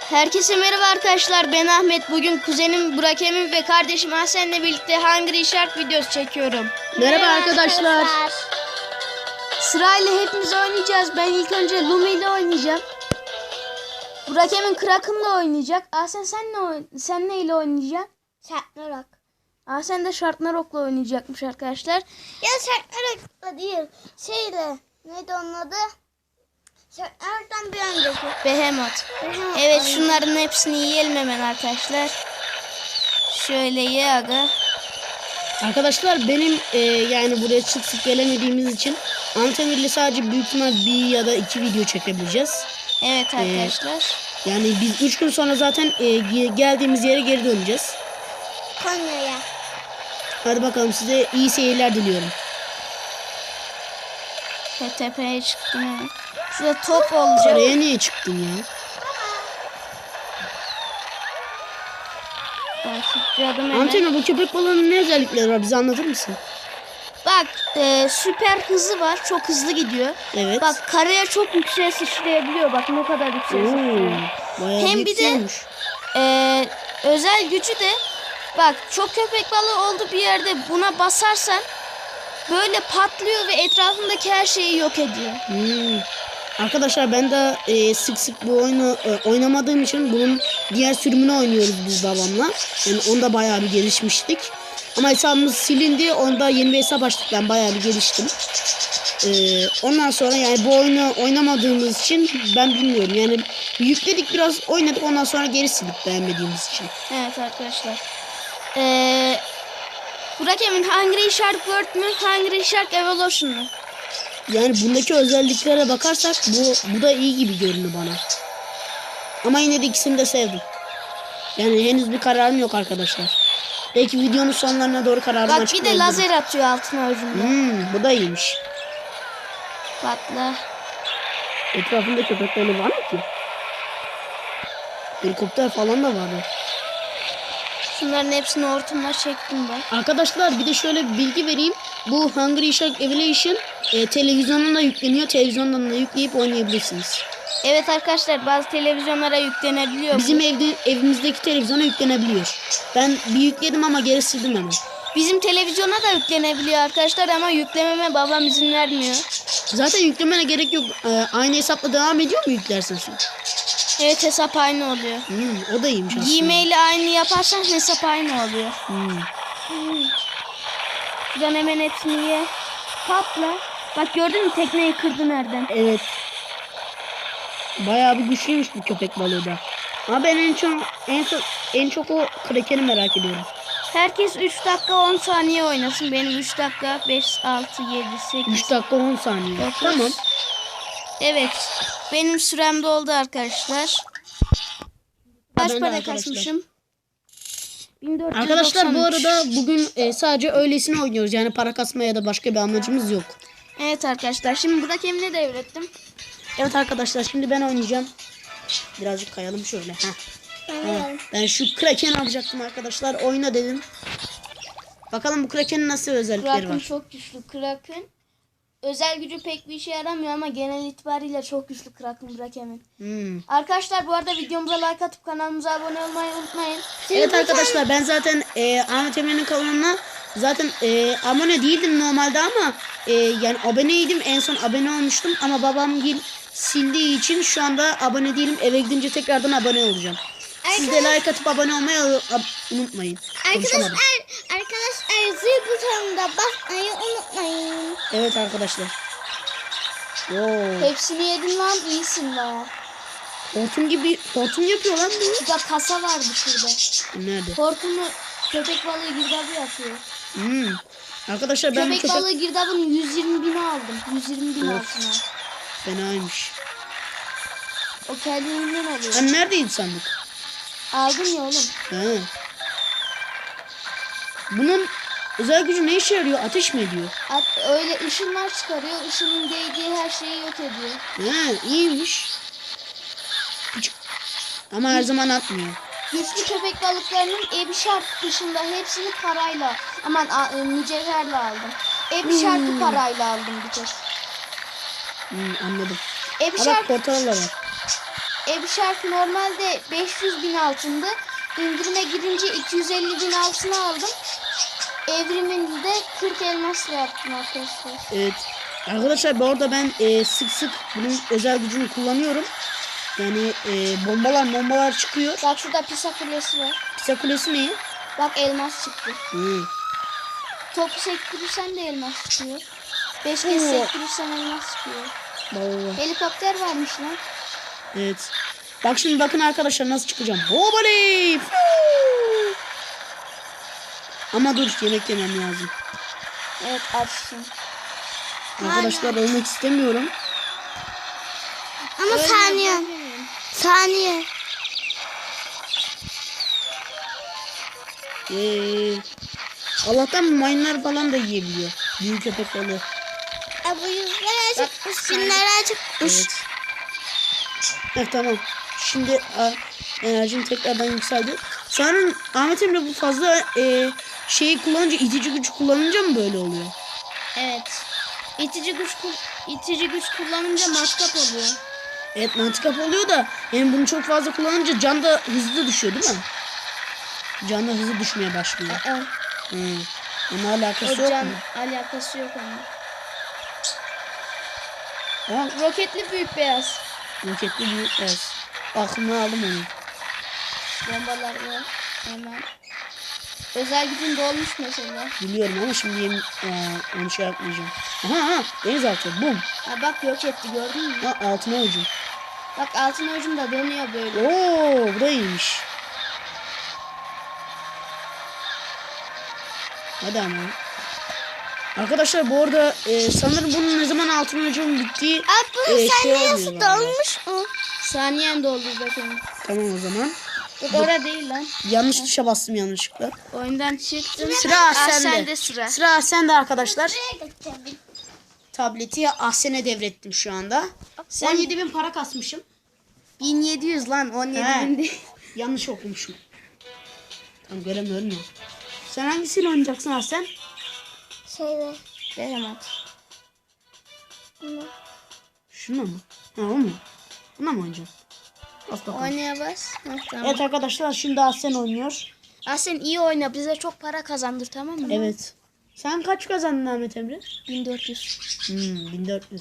Herkese merhaba arkadaşlar, ben Ahmet. Bugün kuzenim Burak Emin ve kardeşim Hasen'le birlikte Hungry Shark videosu çekiyorum. Merhaba arkadaşlar. Sırayla hepimiz oynayacağız. Ben ilk önce Lumi ile oynayacağım. Burak Emin Kraken'la oynayacak. Hasen sen neyle oynayacaksın? Şartnarak. Hasen de Sharknarok'la oynayacakmış arkadaşlar. Ya Şartnarak'la değil. Şeyle. Neydi onun adı? Şartnarak'tan bir önceki. Behemoth. Evet, şunların hepsini yiyelim hemen arkadaşlar. Şöyle ye aga. Arkadaşlar benim yani buraya sık sık gelemediğimiz için Antamir'le sadece büyük ihtimal bir ya da iki video çekebileceğiz. Evet arkadaşlar. Yani biz 3 gün sonra zaten geldiğimiz yere geri döneceğiz. Konya'ya. Hadi bakalım, size iyi seyirler diliyorum. Tepeye çıktım. Evet. Şurada top olacak. Oraya niye çıktın ya? Ben sıçradım hemen. Antamir, bu köpek balığının ne özellikleri var, bize anlatır mısın? Bak, süper hızı var. Çok hızlı gidiyor. Evet. Bak, karaya çok yükseğe sıçrayabiliyor. Bak ne kadar yükseğe sıçrıyor. Bayağı Hem bir de yükselmiş. Özel gücü de bak, çok köpek balığı olduğu bir yerde buna basarsan böyle patlıyor ve etrafındaki her şeyi yok ediyor. Arkadaşlar ben de sık sık bu oyunu oynamadığım için bunun diğer sürümünü oynuyoruz biz babamla. Yani onda bayağı bir gelişmiştik. Ama hesabımız silindi. Onda yeni bir hesap açtık. Ben bayağı bir geliştim. Ondan sonra yani bu oyunu oynamadığımız için ben bilmiyorum. Yani yükledik, biraz oynadık, ondan sonra geri sildik beğenmediğimiz için. Evet arkadaşlar. Burak Emin, Hungry Shark World mü, Hungry Shark Evolution mu? Yani bundaki özelliklere bakarsak bu da iyi gibi görünüyor bana. Ama yine de ikisini de sevdim. Yani henüz bir kararım yok arkadaşlar. Belki videonun sonlarına doğru kararımı Bak, bir de açıklayabilirim. lazer atıyor altına ucunda. Bu da iyiymiş. Patla. Etrafında köpek balığı var mı ki? Helikopter falan da vardı. Şunların hepsini hortumla çektim ben. Arkadaşlar bir de şöyle bir bilgi vereyim. Bu Hungry Shark Evolution televizyonuna yükleniyor. Televizyondan da yükleyip oynayabilirsiniz. Evet arkadaşlar, bazı televizyonlara yüklenebiliyor. Bizim evimizdeki televizyona yüklenebiliyor. Ben bir yükledim ama geri sildim hemen. Bizim televizyona da yüklenebiliyor arkadaşlar ama yüklememe babam izin vermiyor. Zaten yüklemene gerek yok. Aynı hesapla devam ediyor mu yüklersen sen? Evet, hesap aynı oluyor. O da iyiymiş aslında. Gmail'i aynı yaparsan hesap aynı oluyor. Şuradan hemen hepsini ye. Patla. Bak, gördün mü tekneyi kırdı nereden? Evet. Bayağı bir güçlüymüş bu köpek balığı da. Ama ben en çok o Kraken'i merak ediyorum. Herkes 3 dakika 10 saniye oynasın. Benim 3 dakika 5, 6, 7, 8. 3 dakika 10 saniye. 9. Tamam. Evet. Benim sürem doldu arkadaşlar. Kaç Ben de para arkadaşlar. kasmışım? 1493. Arkadaşlar bu arada bugün sadece öylesine oynuyoruz. Yani para kasmaya ya da başka bir amacımız yok. Evet arkadaşlar, şimdi Burak Emin'e devrettim. Evet arkadaşlar, şimdi ben oynayacağım. Birazcık kayalım şöyle. Evet. Ben şu Kraken'i alacaktım arkadaşlar. Oyna dedim. Bakalım bu Kraken'in nasıl özellikleri Kraken var. çok güçlü. Kraken özel gücü pek bir işe yaramıyor ama genel itibariyle çok güçlü Kraken Burak Emin. Arkadaşlar bu arada videomuza like atıp kanalımıza abone olmayı unutmayın. Evet arkadaşlar, ben zaten Ahmet Emin'in kanalına zaten abone değildim normalde ama yani aboneydim, en son abone olmuştum ama babam sildiği için şu anda abone değilim. Eve gidince tekrardan abone olacağım. Siz de like atıp abone olmayı unutmayın. Konuşamadım. Arkadaşlar zil butonuna basmayı unutmayın. Evet arkadaşlar. Oo. Hepsini yedin lan, iyisin baya. Hortum yapıyor lan bu. Şurada kasa vardı şurada. Nerede? Hortumu köpek balığı girdabı yapıyor. Arkadaşlar ben Köpek balığı girdabın 120.000'i aldım. 120.000 altına. Fenaymış. O kendiliğinden alıyor. Hani neredeydi sandık? Aldım ya oğlum. He. Bunun özel gücü ne işe yarıyor? Ateş mi ediyor? Öyle ışınlar çıkarıyor. Işının değdiği her şeyi yok ediyor. He, iyiymiş. Ama her zaman atmıyor. Güçlü köpek balıklarının Ebi Shark dışında hepsini parayla, mücevherle aldım. Ebi Shark'ı parayla aldım bir tek. Anladım. Ebi Ha bak, Shark portal da var. Ev şarkı normalde 500.000 altındı. İndirime girince 250.000 altına aldım. Evriminde 40 elmasla yaptım arkadaşlar. Evet. Arkadaşlar bu arada ben sık sık bunun özel gücünü kullanıyorum. Yani bombalar çıkıyor. Bak şurada Pisa Kulesi var. Pisa Kulesi mi? Bak elmas çıktı. Hı. Topu sektirirsen de elmas çıkıyor. 5 kez Oo. sektirirsen elmas çıkıyor. Baba. Helikopter varmış lan. Evet. Bak şimdi bakın arkadaşlar nasıl çıkacağım. Hobaley! Ama dur yemek yemem lazım. Evet açsın. Arkadaşlar ölmek istemiyorum. Ama saniye. Saniye. Allah'tan mayınlar falan da yiyebiliyor. Büyük köpek balığı. Bu yüzler acıkmış. Günler acıkmış. Evet. Evet tamam. Şimdi enerjim tekrardan yükseldi. Sanırım Ahmet Emre bu fazla şeyi kullanınca, itici güç kullanınca mı böyle oluyor? Evet. İtici güç kullanınca matkap oluyor. Evet mantıklı oluyor da yani bunu çok fazla kullanınca can da hızlı düşüyor değil mi? Can da hızlı düşmeye başlıyor. Onun alakası yok Can mu? alakası yok onun. Aa, Roketli büyük beyaz. roketli büyük beyaz. Aklımdan aldım onu. Bombalar var. Hemen. Özel gücün dolmuş mesela. Biliyorum ama şimdi onu şey yapmayacağım. Aha denizaltı bum. Ha bak yok etti gördün mü? Ha altına ucum. Bak altın ucum da dönüyor böyle. Oo bu da iyiymiş. Hadi ama. Arkadaşlar bu arada sanırım bunun ne zaman altın ucum bittiği Bu şey saniyesi olmuyor galiba. dolmuş mu? Saniyen doldu bakın. Tamam o zaman. Yok orada değil lan. Yanlış tuşa bastım yanlışlıkla. Oyundan çıktım. Sıra Ahsen'de. Sıra. Sıra Ahsen'de arkadaşlar. Buraya geçelim. Tableti Ahsen'e devrettim şu anda. 17.000 para kasmışım. 1700 lan 17.000 değil. Yanlış okumuşum. Tam göremiyorum ya. Sen hangisiyle oynayacaksın Ahsen? Şeyde. Behemat. Şuna mı? Ha o mu? Buna mı oynayacaksın? Bas bakalım. Oynaya bas. Ha, tamam. Evet arkadaşlar şimdi Ahsen oynuyor. Sen iyi oyna bize çok para kazandır tamam mı? Evet. Sen kaç kazandın Ahmet Emre? 1400. 1400.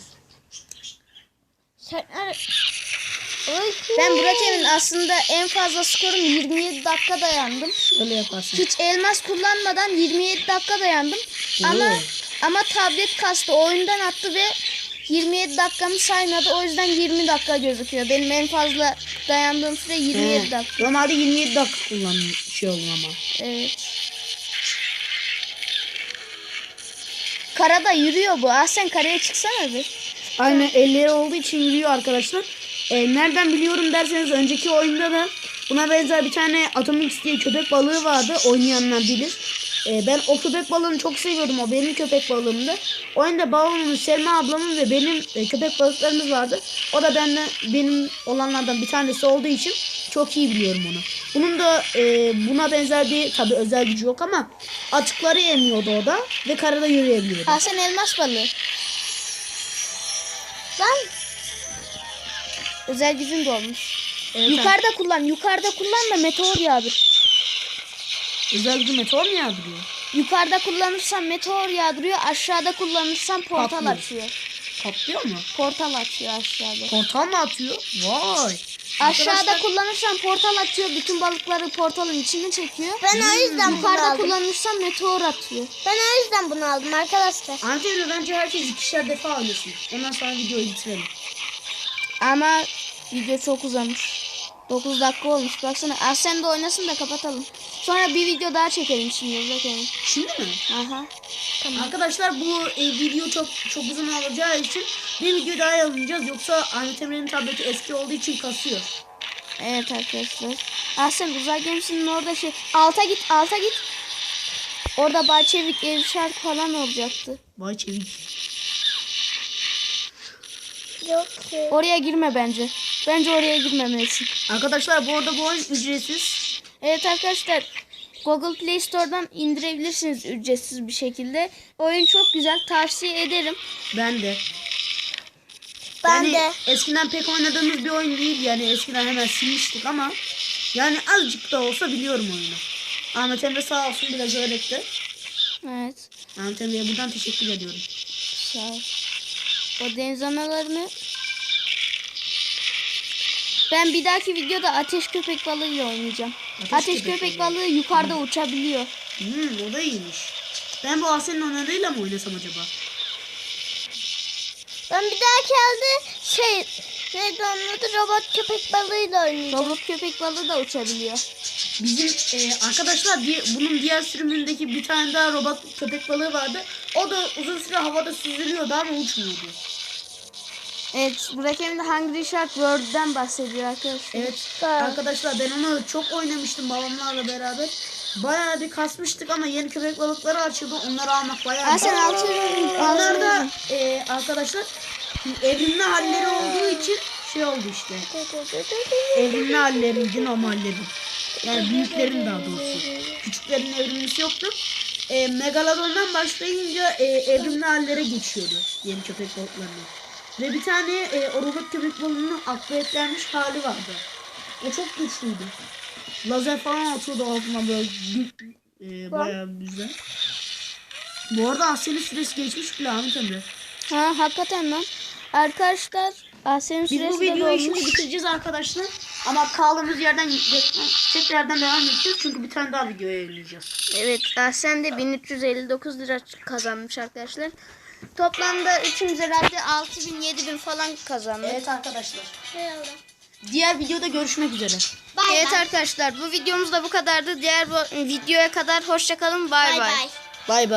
Sen Ben Burak'ın aslında en fazla skorum 27 dakika dayandım. Öyle yaparsın. Hiç elmas kullanmadan 27 dakika dayandım. Oo. Ama tablet kastı oyundan attı ve 27 dakikamı saymadı. O yüzden 20 dakika gözüküyor. Benim en fazla dayandığım süre 27 dakika. Normalde 27 dakika şey olur ama. Evet. Karada yürüyor bu. Sen karaya çıksana bir. Aynen elleri olduğu için yürüyor arkadaşlar. Nereden biliyorum derseniz önceki oyunda da buna benzer bir tane Atomix diye köpek balığı vardı. Oynayanlar bilir. Ben o köpek balığını çok seviyordum. O benim köpek balığımdı. Oyunda babamın, Selma ablamın ve benim köpek balıklarımız vardı. O da benim olanlardan bir tanesi olduğu için çok iyi biliyorum onu. Bunun da buna benzer bir tabi özel gücü yok ama atıkları yemiyordu o da ve karada yürüyebiliyordu. Sen elmas balığı. Lan Özel gücün de olmuş. Evet, Yukarıda kullan da meteor yağdır. özel gücü meteor mu yağdırıyor? Yukarıda kullanırsan meteor yağdırıyor. Aşağıda kullanırsan portal Patlıyor. açıyor. Patlıyor mu? Portal açıyor aşağıda. Portal mı atıyor? Vay. Aşağıda Arkadaşlar- kullanırsan portal atıyor. Bütün balıkları portalın içine çekiyor. ben o yüzden bunu Yukarıda aldım. kullanırsan meteor atıyor. Ben o yüzden bunu aldım arkadaşlar. Antenle bence herkes ikişer defa oynasın. Ondan sonra videoyu bitirelim. Ama video çok uzamış. 9 dakika olmuş. Baksana sen de oynasın da kapatalım. Sonra bir video daha çekelim şimdi. Bakalım. Şimdi mi? Aha. Arkadaşlar bu video çok uzun olacağı için bir video daha yayınlayacağız. Yoksa Ahmet Emre'nin tableti eski olduğu için kasıyor. Evet arkadaşlar. Sen uzay gemisinin orada alta git. Orada Bahçevik ev şarkı falan olacaktı. Vay çevik. Yok ki. Oraya girme bence. Bence oraya girmemelisin. Arkadaşlar bu arada bu oyun ücretsiz. Evet arkadaşlar. Google Play Store'dan indirebilirsiniz ücretsiz bir şekilde. Oyun çok güzel. Tavsiye ederim. Ben de. Ben Yani de. eskiden pek oynadığımız bir oyun değil. Yani eskiden hemen silmiştik ama yani azıcık da olsa biliyorum oyunu. Ahmet Emre sağ olsun biraz öğretti. Evet. Ahmet Emre'ye buradan teşekkür ediyorum. Sağ ol. O deniz analarını ben bir dahaki videoda ateş köpek balığıyla oynayacağım. Ateş köpek balığı yukarıda uçabiliyor. O da iyiymiş. Ben bu Asen'in oynadığıyla mı oynasam acaba? Ben bir dahaki elde neydi onun adı, robot köpek balığıyla oynayacağım. Robot köpek balığı da uçabiliyor. Bizim arkadaşlar bunun diğer sürümündeki bir tane daha robot köpek balığı vardı. O da uzun süre havada süzülüyordu ama uçmuyordu. Evet, Burak'ın da Hungry Shark World'den bahsediyor arkadaşlar. Evet arkadaşlar ben onu çok oynamıştım babamlarla beraber. Bayağı bir kasmıştık ama yeni köpek balıkları açıldı. Onları almak bayağı Sen altı onlar da arkadaşlar evrimli halleri olduğu için şey oldu işte. Evrimli halleriydi normallerin. Yani büyüklerin daha doğrusu. Küçüklerin evrimlisi yoktu. Megalodon'dan başlayınca evrimli hallere geçiyordu yeni köpek balıklarının. Ve bir tane o robot köpek balığının akvaryumlanmış hali vardı. O çok güçlüydü. Lazer falan atıyordu altına böyle bayağı güzel. Bu arada Asya'nın süresi geçmiş bile Ahmet Emre. Ha, hakikaten lan. Arkadaşlar Asya'nın Biz süresi bu de videoyu dolmuş. şimdi bitireceğiz arkadaşlar. Ama kaldığımız yerden tekrardan devam edeceğiz. Çünkü bir tane daha video yayınlayacağız. Evet, Aslen de 1359 lira kazanmış arkadaşlar. Toplamda üçümüz herhalde 6000-7000 falan kazandık. Evet arkadaşlar. Diğer videoda görüşmek üzere. Evet arkadaşlar, bu videomuz da bu kadardı. Diğer videoya kadar hoşça kalın. Bay bay. Bay bay. Bay bay.